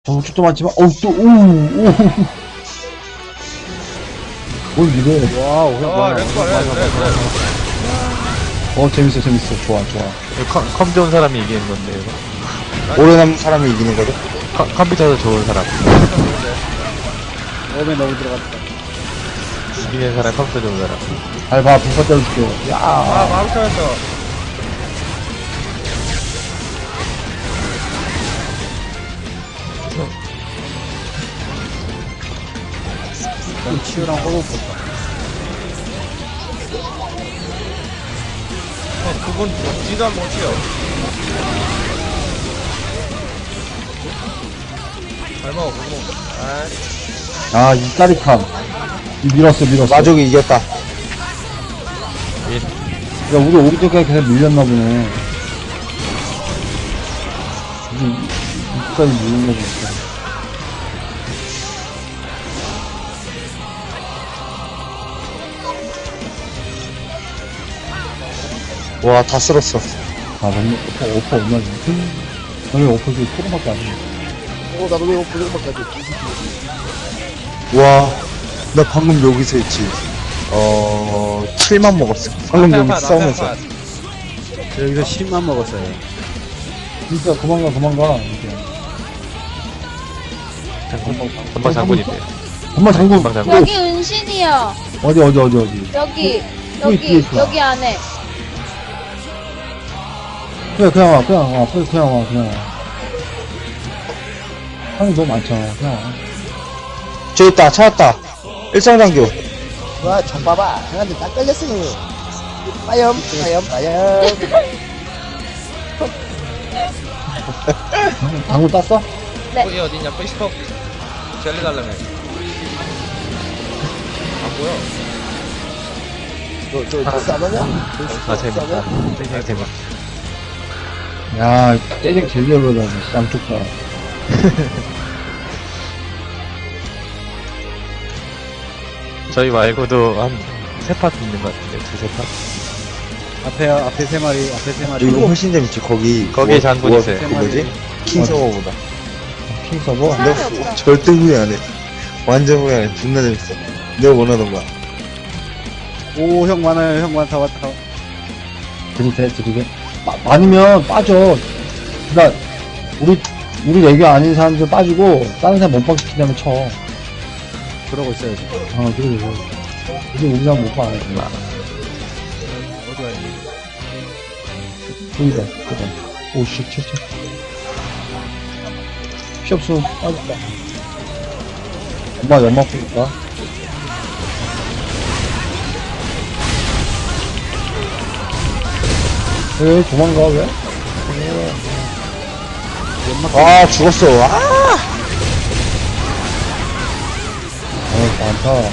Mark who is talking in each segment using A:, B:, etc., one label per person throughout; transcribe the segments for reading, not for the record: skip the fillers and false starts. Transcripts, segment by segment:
A: 저축도 많지만, 뭘 이래.
B: 와우,
A: 재밌어. 좋아.
C: 컴 좋은 사람이 이기는 건데, 이거.
B: 오래 남은 사람이 이기는 거죠?
C: 컴퓨터도 좋은 사람.
B: 몸에 너무 들어갔다.
C: 이기는 사람, 컴퓨터 좋은 사람.
A: 잘 봐, 불사 때려줄게. 야,
D: 바로 터졌어.
B: 치유랑 호흡 볼까?
D: 그분 먹지도 안 못해요. 잘 먹어, 그거.
A: 이 짜릿함. 밀었어.
B: 마족이 이겼다.
A: 야, 우리 오른쪽까지 계속 밀렸나 보네. 이까지 밀린 거 보니까.
B: 와, 다 쓸었어.
A: 너무, 오퍼 얼마지? 너왜 오퍼 그 토론밖에 안 해?
B: 나도 왜 오프닝밖에 안 돼? 와, 나 방금 여기서 했지. 7만 먹었어. 방금 여기 싸우면서.
E: 저 여기서 10만 먹었어요.
A: 진짜 도망가. 이렇게.
C: 전방 장군인데.
A: 엄마 장군.
C: 전방 장군.
F: 여기 은신이요.
A: 어디.
F: 여기
A: 뒤에 있어.
F: 여기 안에.
A: 그냥 와. 상이 너무 많잖아. 그냥 와.
B: 저기 있다, 찾았다. 일상장교.
G: 와, 정 봐봐. 형한테 딱 걸렸어. 빠염.
A: 장군 땄어?
D: 거기 어디냐, 페이스북. 젤리 달라며. 안 보여.
G: 너 싸느냐?
C: 아, 재밌다. 되게 재밌다.
A: 야, 떼쟁 제일 열받아. 양쪽 다.
C: 저희 말고도 한 3파 있는 것 같은데, 2-3파?
E: 앞에 세 마리.
B: 이거 훨씬 재밌지, 거기.
C: 거기에 장군 있어요.
B: 그 뭐지? 킹 서버보다.
A: 킹 서버?
B: 내가 절대 후회 안 해. 완전 후회 안 해. 존나 재밌어. 내가 원하던 거야.
E: 오, 형 많아요. 형 많다, 왔다.
A: 들이대. 많으면 빠져. 그니까, 우리 애교 아닌 사람들 빠지고, 다른 사람 못 박히기 때문에 쳐.
E: 그러고 있어요, 지금.
A: 그래. 이제 우리 사람 못 봐.
E: 어디 가야 돼?
A: 보이다. 오씨, 쳐. 피 없어. 빠졌다. 엄마 연막 보니까. 왜 도망가, 왜?
B: 아, 죽었어.
A: 많다.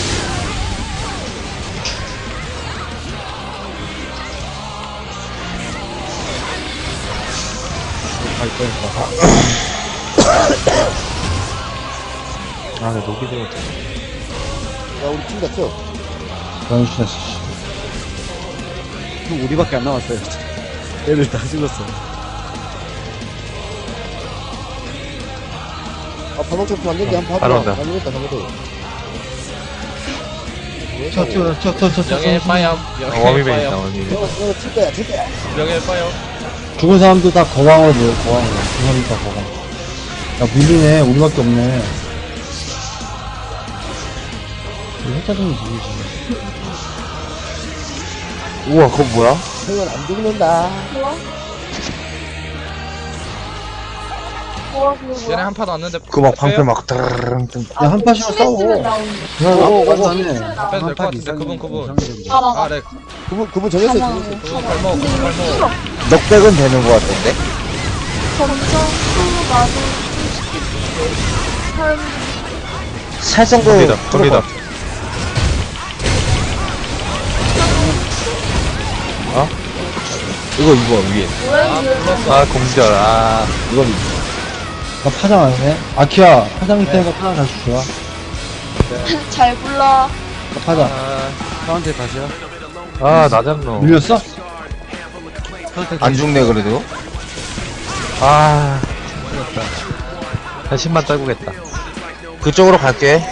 C: 아, 나 녹이 들었잖아.
G: 야, 우리 팀 갔어.
A: 변신했어, 씨.
E: 형 우리밖에 안 남았어요. 애들 다 죽었어.
G: 방금 좀 봤는데 한번
C: 바로
G: 봐봐.
C: 온다.
G: 잘못했다.
D: 명예 빠염.
C: 워미맨 있다, 워미맨.
G: 너 칠 거야.
D: 명예 빠염.
A: 죽은 사람도 다 거강으로 보여, 거강으로. 그 사람이 다 거강. 야, 밀리네. 우리밖에 없네. 이거 해자동이 누구지?
B: 우와, 그거 뭐야?
G: 형은 안 죽는다.
D: 얘네 한 파도 왔는데.
B: 그 막 방패 막 드르릉
A: 야, 한 파시로 싸워.
E: 나네.
D: 빼도 될 것 같은데, 그분.
F: 아,
D: 네.
G: 그분 정했어.
D: 그분 발목, 그분 발목.
B: 넉백은 되는 거 같은데?
F: 점점 나도
B: 살 정도
C: 겁니다.
B: 이거 위에.
C: 아, 공절.
B: 이건
A: 나 파장 안 해? 아키야, 파장 있다니까 파장 잘 좋아.
F: 잘 불러.
A: 나 파장.
E: 형한테 다시요.
C: 나 잡노.
A: 밀렸어?
B: 안 죽네, 그래도.
C: 아, 한 10만 떨구겠다.
B: 그쪽으로 갈게.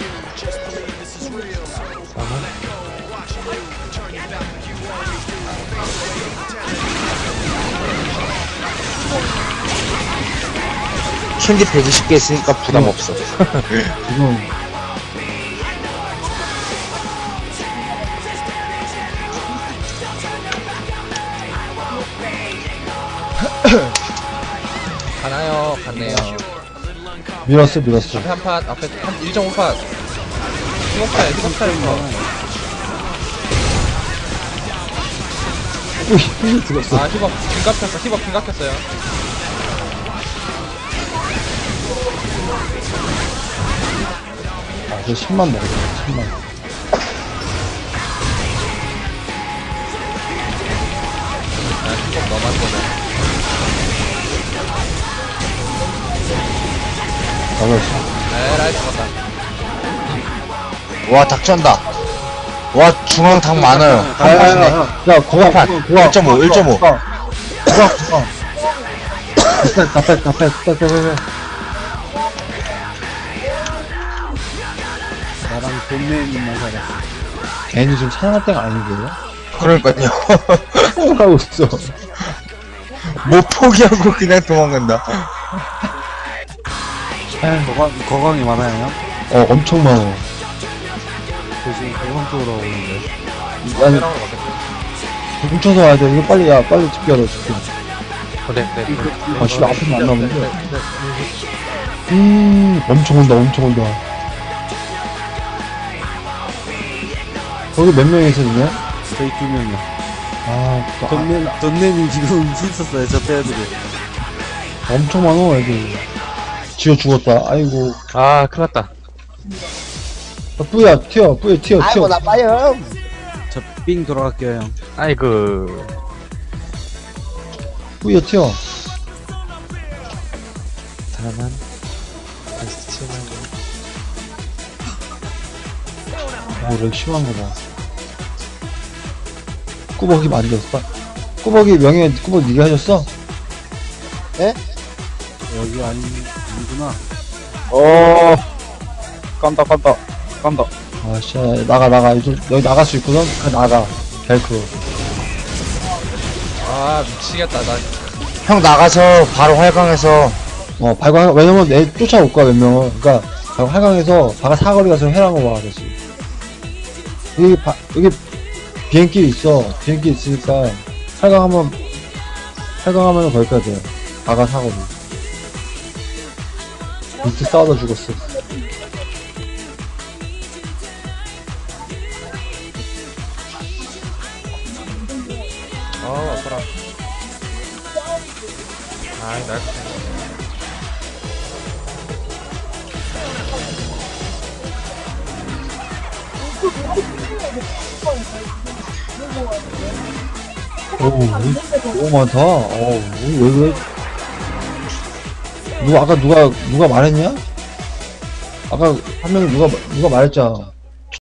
B: 캔디 120개 있으니까 부담 없어.
A: 지금
D: 가나요? 갔네요.
A: 밀었어.
D: 앞에 한 팟, 앞에 한 1.5팟. 희곡차에, 희곡차에서.
A: ui, 죽었어.
D: 아, 희곡, 긴 깎였어. 희곡 긴 깎였어요.
A: 아, 저 10만 먹었어. 10만.
D: 아, 희곡 넘었거든.
A: 나갔어.
D: 에라이, 죽었다.
B: 와, 닥쳤다. 와, 중앙 닭 많아요. 한 판이네.
A: 야, 고가,
B: 판. 1.5, 1.5.
A: 고가. 다 뺐.
E: 나랑 돈내님만 살았어.
A: 걔는 지금 사냥할 때가 아니고요.
B: 그러니까요.
A: 하고 있어.
B: 뭐 포기하고 그냥 도망간다.
E: 거강이 많아요.
A: 엄청 많아.
E: 저 지금 거강 쪽으로 오고 있는데.
A: 아니,
D: 페랑으로 바뀌었어.
A: 뭉쳐서 와야 돼. 이거 빨리, 빨리 집결해, 집결.
C: 그래.
A: 아, 진짜 앞에서 안 나오는데. 엄청 온다. 거기 몇 명이 있었냐?
E: 저희 2명이요.
A: 아, 또,
E: 돈내님 지금 힘썼어요, 저 빼야들이.
A: 엄청 많아, 애들. 지어 죽었다. 아이고.
C: 아, 큰일 났다.
A: 뿌야, 튀어.
G: 아이고, 나빠요.
E: 저 삥 돌아갈게요, 형.
C: 아이고.
A: 뿌야, 튀어.
C: 다만. 베스트 7만.
A: 렉 심한 거 봐. 꾸벅이 만졌어. 꾸벅이 명예, 꾸벅 니가 해줬어?
E: 여기 아니구나.
C: 깐다.
A: 아, 씨, 나가. 여기 나갈 수 있거든? 나가. 벨크로.
D: 아, 미치겠다. 나
B: 형 나가서 바로 활강해서
A: 왜냐면 내 쫓아올 거야, 몇 명은. 그니까, 활강에서, 바가 사거리 가서 회랑을 와, 다시. 여기 비행길 있어. 비행길 있으니까, 활강하면 거기까지 돼. 바가 사거리. 밑에 싸우다 죽었어.
D: 아파라. 아이, 날.
A: 너무 많다. 왜. 누가 말했냐? 아까 한 명이 누가 말했잖아.